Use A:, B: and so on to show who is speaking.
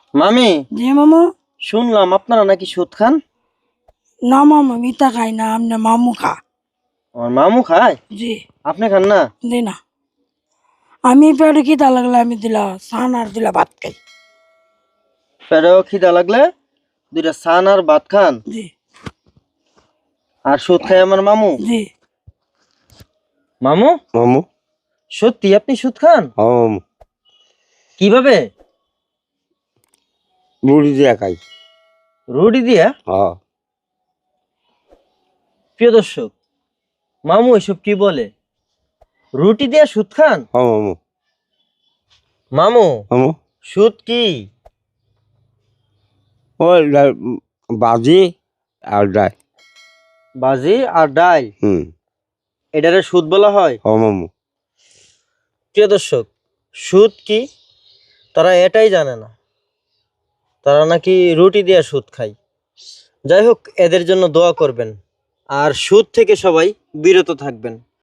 A: মামি,
B: জি মামু।
A: শুনলাম আপনারা নাকি সুদ খান।
B: না মামু, মিতা খাই না, আমনে মামু খা।
A: আমার মামু খায়,
B: জি।
A: আপনি খান না?
B: জি না, আমি পেটে খিদা লাগলে আমি দিলা সান আর দিলা ভাত খাই।
A: পেটেও খিদা লাগলে দুইটা সান আর ভাত খান,
B: জি।
A: আর সুদ খায় আমার মামু।
B: জি।
A: মামু,
C: মামু।
A: সত্যি আপনি সুদ খান?
C: হ্যাঁ মামু,
A: কিভাবে?
C: মুড়ি দিয়া খাই।
A: রুটি দিয়া?
C: হ্যাঁ।
A: প্রিয় দর্শক, মামু এসব কি বলে? রুটি দিয়া সুদ খান?
C: হ্যাঁ মামু।
A: মামু,
C: মামু,
A: সুদ কি?
C: ওই বাজি আর ডাই।
A: বাজি আর ডাল,
C: হুম।
A: এটারে সুদ বলা হয়?
C: হ্যাঁ মামু।
A: প্রিয় দর্শক, সুদ কি তারা এটাই জানে না, তারা নাকি রুটি দিয়ে সুদ খায়। যাই হোক, এদের জন্য দোয়া করবেন আর সুদ থেকে সবাই বিরত থাকবেন।